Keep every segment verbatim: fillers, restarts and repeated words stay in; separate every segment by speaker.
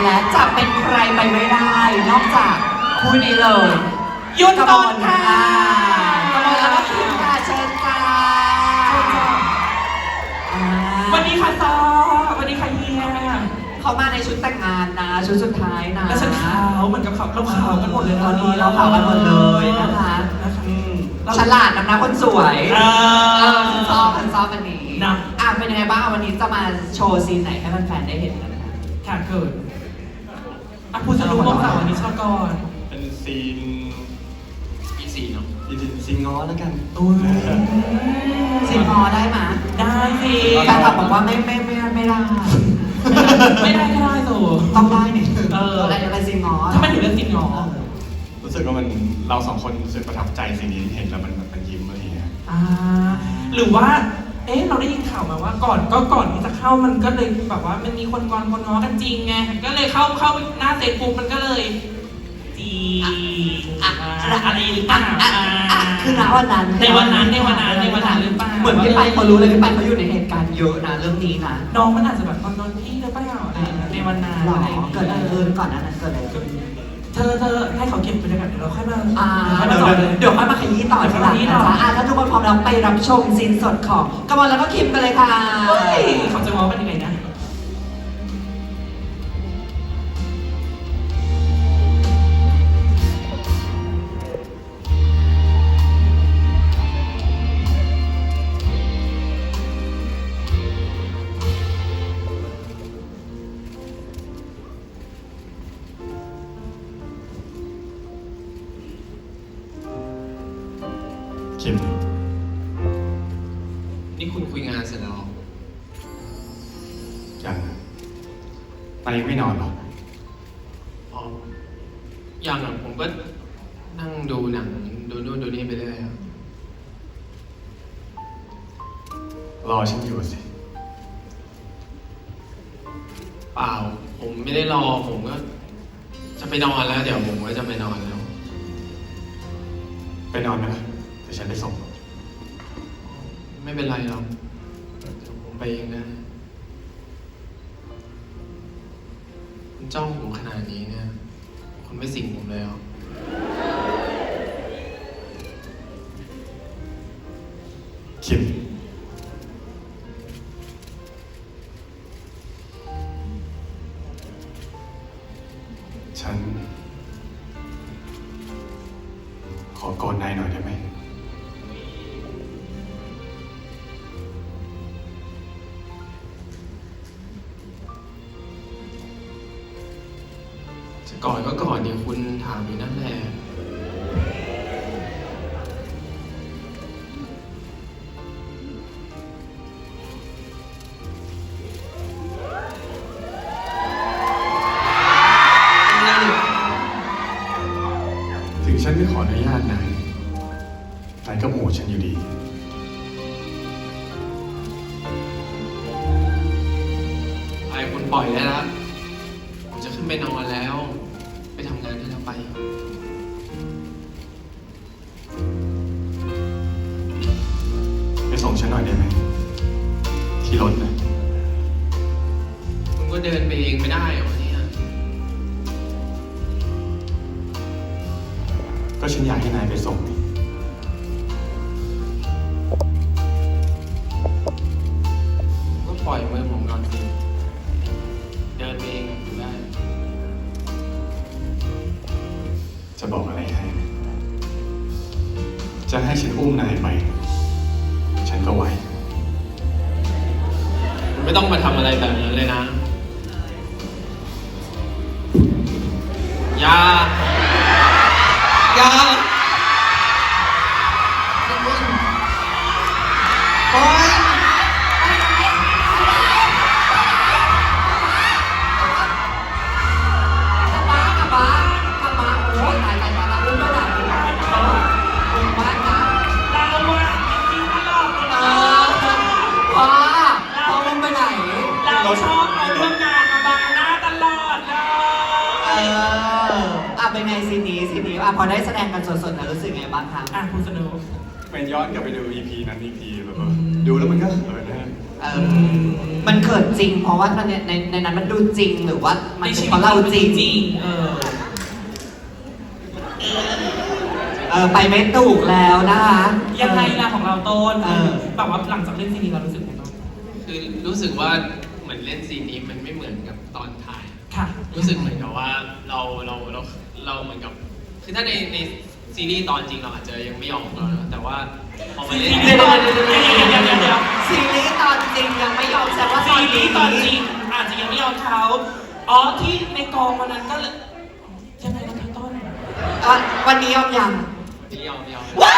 Speaker 1: แล้วจะเป็นใครไปไม่ได้ นอกจากคู่นี้เลยยุทธกรค่ะกมลแล้วก็คิมค่ะเชิญค่ะ
Speaker 2: วันนี้ค่ะซอวันนี้ค่ะเฮีย
Speaker 1: เขามาในชุดแต่งงานนะชุดสุดท้ายนะ
Speaker 2: แล้วฉันขาวเหมือนกับเขาเราขาวกันหมดเลยตอนนี้
Speaker 1: เราขาวกันหมดเลยนะคะฉลาดนำหน้าคนสวยเออฉันชอบฉันชอบวันนี้นะอ่ะเป็นยังไงบ้างวันนี้จะมาโชว์ซีนไหนให้แฟนๆได้เห็นกันนะคะ
Speaker 2: ค่ะเกิดอ่ะพูดจะรู้ว่าสาววันนี้ชอบก่อน
Speaker 3: เป็นซีน
Speaker 4: อีสี่เนาะ
Speaker 3: ซีนซีนง้อแล้วกัน
Speaker 2: อุ้ย
Speaker 1: ซีนง้อได้ไหม
Speaker 2: ได้สิ
Speaker 1: แฟนคลับบอกว่าไม่ไม่ไม่ไม่ได้
Speaker 2: ไม่ได้ก็ได้ตัว
Speaker 1: ต้องได้เนี่ย
Speaker 2: เออ
Speaker 1: อะไรอะไรซีนง้อ
Speaker 2: ถ้ามันถึงเรื่องซีนง้อ
Speaker 3: รู้สึกว่ามันเราสองคนรู้สึกประทับใจสิ่งนี้เห็นแล้วมันมันยิ้มอะไรอย่างเงี้ย
Speaker 2: อ่าหรือว่าเอ๊ะเราได้ยินข่าวมาว่าก่อนก็ก่อนที่จะเข้ามันก็เลยแบบว่ามันมีคนงอนคนง้อกันจริงไงก็เลยเข้าเข้าหน้าเฟซบุ๊กมันก็เลยจีอะไรหรือเปล่า
Speaker 1: คือณวันนั้น
Speaker 2: ในวันนั้นในวันนั้นในวันนั้นหรือเปล่า
Speaker 1: เหมือนพี่ไปเขารู้เลยพี่ไปเขาอยู่ในเหตุการณ์เยอะนะเรื่องนี้นะ
Speaker 2: น้องมันอาจจะแบบตอนนอนพี่หรือเปล่าอะไรในวันนั้น
Speaker 1: อะไรเกิดอะไรขึ้นก่อนนั้นเกิดอะไรขึ้น
Speaker 2: เธอเธอให้เขาเก็บไปด้วยกันเดี๋ยวเราค่อยมา
Speaker 1: เดี๋ยวเดี๋ยวค่อยมาขยี้ต่อทีหลังนะคะถ้าทุกคนพร้อมแล้วไปรับชมซีนสดของกมลแล้วก็คิมกันเลยค่ะ
Speaker 2: เขาจะมองเป็นยังไงนะ
Speaker 3: คิม
Speaker 4: นี่คุณคุยงานเสร็จแล้ว
Speaker 3: ยังไปไม่นอนหรอ
Speaker 4: อ๋อยังอ่ะผมก็นั่งดูหนังดูนู่นดูนี่ไปเรื่อยครับ
Speaker 3: รอฉันอยู่สิ
Speaker 4: เปล่าผมไม่ได้รอผมก็จะไปนอนแล้วเดี๋ยวผมก็จะไปนอนแล้ว
Speaker 3: ไปนอนไหมล่ะเดี๋ยวฉันไปส่ง
Speaker 4: ไม่เป็นไรหรอกเดี๋ยวผมไปเองนะคุณจ้องผมขนาดนี้เนี่ยคุณไม่สิงผมเลยเหรอ
Speaker 3: คิมฉันขอกอดนายหน่อยได้ไหม
Speaker 4: จะกอดก็กอดดิคุณถามอยู่นั่นแหละ
Speaker 3: ถึงฉันไม่ขออนุญาตนายนายก็โหวตฉันอยู่ดี
Speaker 4: ไอ้คุณปล่อยได้แล้วผมจะขึ้นไปนอนแล้วไปทำงานที่เราไป
Speaker 3: ไปส่งฉันหน่อยได้ไหมที่รถนะ
Speaker 4: คุณก็เดินไปเองไม่ได้วันนี้
Speaker 3: ก็ฉันอยากให้นายไปส่งนี่
Speaker 4: ก็ปล่อยมือผมก่อนสิเดินเองอยู่ได้
Speaker 3: จะบอกอะไรให้จะให้ฉันอุ้มนายไปฉันก็ไหว
Speaker 4: คุณไม่ต้องมาทำอะไรแบบนั้นเลยนะอย่าอย่า
Speaker 1: โอ๊ยกลับมากลับมากลับมาโอ้ยตายตายตายอุ้มไม่ได้อุ้มบ้านนะ
Speaker 2: เราอะจริงตลอดเลยนะ
Speaker 1: พ่อพ่ออุ้มไปไหน
Speaker 2: เราชอบเอาเรื่องงานมาบังหน้าตลอดเลย
Speaker 1: เอออ่ะเป็นไงซีนี้ซีนี้อ่ะพอได้แสดงกันสดๆนะรู้สึกไงบ้างคะ
Speaker 2: อ่ะคุณสนุก
Speaker 3: ไปย้อนกลับไปดู อี พี นั้น อี พี แบบว่าดูแล้วมันก็เขินนะ
Speaker 1: เออมันเกิดจริง เพราะว่าในในในนั้นมันดูจริงหรือว่ามัน
Speaker 2: ใน
Speaker 1: เป็น
Speaker 2: ชี
Speaker 1: เพ
Speaker 2: วิต
Speaker 1: ราะเราจริง
Speaker 2: จริงเออ
Speaker 1: เออไปไม่ถูกแล้วนะคะ
Speaker 2: ยังไงล่ะของเราต้น
Speaker 1: เออ
Speaker 2: แบบว่าหลังจากเล่นซีรีส์เรารู้สึกไงบ้าง
Speaker 4: คือรู้สึกว่าเหมือนเล่นซีนนี้มันไม่เหมือนกับตอนถ่าย
Speaker 2: ค่ะ
Speaker 4: รู้สึกเหมือนกับว่าเราเราเราเราเหมือนกับ คือถ้าในในซีรีส์ตอนจริงเราอาจจะยังไม่ยอมเรานะแต่ว่าพอมาเล่น
Speaker 2: เดี๋ยวเดี๋ยวเดี๋ยวเดี๋ยวเดี๋ยวเดี๋ยวเดี๋ยว
Speaker 1: ซีรีส์ตอนจริงยังไม่ยอมแสดงว่าต
Speaker 2: ซี
Speaker 1: อน
Speaker 2: รี
Speaker 1: นี้
Speaker 2: ส์ตอนจริงอาจจะยังไม่ยอมเขาอ๋อที่ในกองวันนั้นก็เลยยังไงนะคะต้น
Speaker 1: อ่ะวันนี้ยอมยัง
Speaker 4: ไม่ยอมไม่ยอม
Speaker 1: ว้าว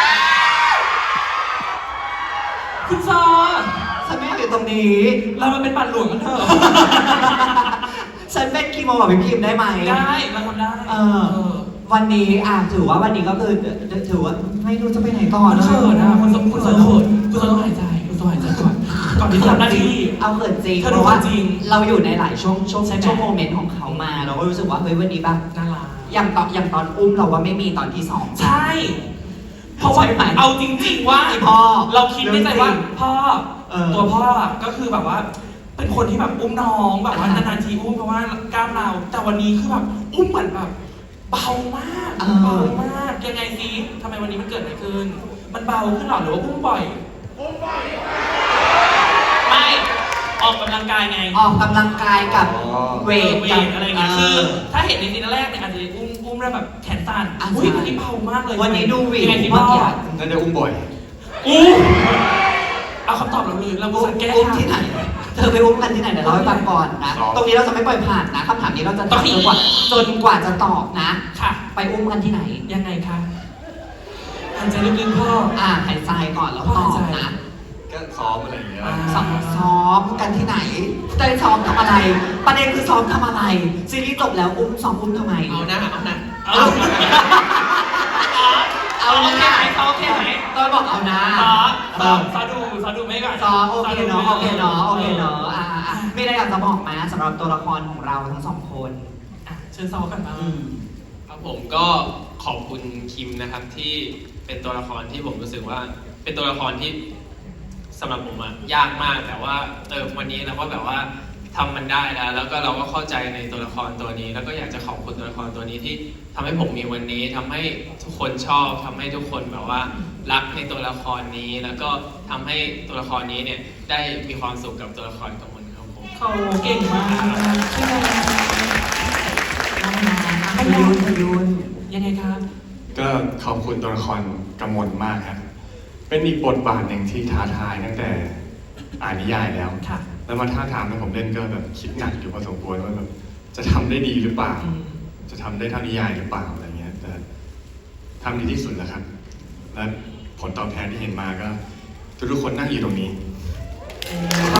Speaker 2: คุณซอ
Speaker 1: ฉันไม่อยากอยู่ตรงนี้
Speaker 2: เรามาเป็นปัดหลวงกันเถอะ
Speaker 1: ฉันเป็นคีโมกับพี่พิมพ์ได้ไหม
Speaker 2: ได้เราทำได้
Speaker 1: เออ วันนี้อ่ะถือว่าวันนี้ก็คือถือว่าไม่รู้จะไปไหนก่อน
Speaker 2: มันเขินนะคุณซอคุณซอเขินคุณซอต้องหายใจคุณซอหายใจก่อนก่อนที่จะทำหน้าที่
Speaker 1: เอาเขินจริง
Speaker 2: เธอ
Speaker 1: เพ
Speaker 2: ดู
Speaker 1: ราะว่า
Speaker 2: จริง
Speaker 1: เราอยู่ในหลายช่วงช่วง
Speaker 2: ใช่ไหม
Speaker 1: ช่วงโมเมนต์ของเขามา เราก็รู้สึกว่าเฮ้ยวันนี้แบบ
Speaker 2: น่ารัก
Speaker 1: อย่างตอนอย่างตอนอุ้มเราว่าไม่มีตอนที่สอง
Speaker 2: ใช่ เพราะว่า
Speaker 1: ใช่ไหม
Speaker 2: เอาจริง ๆ ว่า
Speaker 1: ไอ้พ่อ
Speaker 2: เราคิดในใจว่าพ่อ
Speaker 1: เออ
Speaker 2: ตัวพ่ออะก็คือแบบว่า เป็นคนที่แบบอุ้มน้องแบบว่า
Speaker 1: อ่าน
Speaker 2: านๆทีอุ้มเพราะว่ากล้ามเราแต่วันนี้คือแบบอุ้มเหมือนแบบเบามาก
Speaker 1: เออ
Speaker 2: เบามากยังไงซิทำไมวันนี้มันเกิดอะไรขึ้น มันเบาขึ้นหรอหรือว่าอุ้มบ่อยอุ้มบ่อยไม่ออกกำลังกายไง
Speaker 1: ออกกำลังกายกับเวท
Speaker 2: เว
Speaker 1: กับ
Speaker 2: ทอะไรอย่างเงี้ยคือถ้าเห็นในซีนแรกเนี่ยอาจจะอุ้มอุ้มแล้วแบบแขนสั้น
Speaker 1: อ่ะ
Speaker 2: อุ้ย
Speaker 1: ใช่
Speaker 2: วันนี้เบามากเลย
Speaker 1: วันนี้ดูหวี
Speaker 2: ยังไงสิ
Speaker 1: เมื่
Speaker 2: พ่
Speaker 1: อ
Speaker 2: อ
Speaker 1: กี้
Speaker 3: น่าจะอุ้มบ่อย
Speaker 2: อู้เอาคำตอบเราเลยเรา
Speaker 1: อุ้ม
Speaker 2: สังแก้
Speaker 1: อุ้ม
Speaker 2: ทาง
Speaker 1: ที่ไหน เธอไปอุ้มกันที่ไหนเดี๋ยวเราให้ฟังก่อนนะ
Speaker 3: ซ้อม
Speaker 1: ตรงนี้เราจะไม่ปล่อยผ่านนะคำถามนี้เราจะ
Speaker 2: ต้อ
Speaker 1: ถาง ม
Speaker 2: ให้
Speaker 1: จนกว่าจนกว่าจะตอบนะ
Speaker 2: ค่ะ
Speaker 1: ไปอุ้มกันที่ไหน
Speaker 2: ยังไงคะหายใจลึกๆพ่อ
Speaker 1: อ่าหายใจก่อนแล้วตอบนะ
Speaker 3: ก็ซ้อมอะไรอย่างเงี้ย
Speaker 2: อ่า
Speaker 1: ซ้อมซ้อมกันที่ไหนได้ซ้อมทำอะไร ประเด็นคือซ้อมทำอะไร ซีรีส์จบแล้วอุ้มซ้อมอุ้มทำไม
Speaker 4: เอาหน้าเอาหน้า
Speaker 2: เอา
Speaker 1: เอา
Speaker 2: โอ
Speaker 1: นะ
Speaker 2: เคไหมเขาโอเคไหม
Speaker 1: ต้อยบอกเอานะ
Speaker 2: ซอซอซอดูซอดูไม่ก่อน
Speaker 1: ซ้อมโอเคเนาะโอเคเนาะโอเคเนาะ
Speaker 2: อ่ะ
Speaker 1: อ่าอ่ะมีอะไรอยากจะบอกไหมสำหรับตัวละครของเราทั้งสองคน
Speaker 2: อ่ะเชิญซอกันมา
Speaker 1: อืม
Speaker 4: ครับผมก็ขอบคุณคิมนะครับที่เป็นตัวละครที่ผมรู้สึกว่า เป็นตัวละครที่สำหรับผมอะยากมากแต่ว่าเออวันนี้เราก็แบบว่าทำมันได้แล้ว แล้วก็เราก็เข้าใจในตัวละครตัวนี้ แล้วก็อยากจะขอบคุณตัวละครตัวนี้ที่ทำให้ผมมีวันนี้ทำให้ทุกคนชอบทำให้ทุกคนแบบว่ารักในตัวละครนี้ แล้วก็ทำให้ตัวละครนี้เนี่ยได้มีความสุขกับตัวละครกำมลครับผม
Speaker 2: เขาเก่งมากใช่ไหม
Speaker 1: พยุนพยุน
Speaker 2: ยังไงครับ
Speaker 3: ก็ขอบคุณตัวละครกำมลมากครับ เป็นอีกบทบาทหนึ่งที่ท้าทายตั้งแต่อ่านนิยายแล้ว
Speaker 2: ค่ะ
Speaker 3: แล้วมาท้าทามให้ผมเล่นก็แบบคิดหนักอยู่พอสมควรว่าแบบจะทำได้ดีหรือเปล่า
Speaker 2: อืม
Speaker 3: จะทำได้เท่านิยายหรือเปล่าอะไรเงี้ย แต่ทำดีที่สุดแล้วครับ และผลตอบแทนที่เห็นมาก็ ทุกๆคนนั่งอยู่ตรงนี้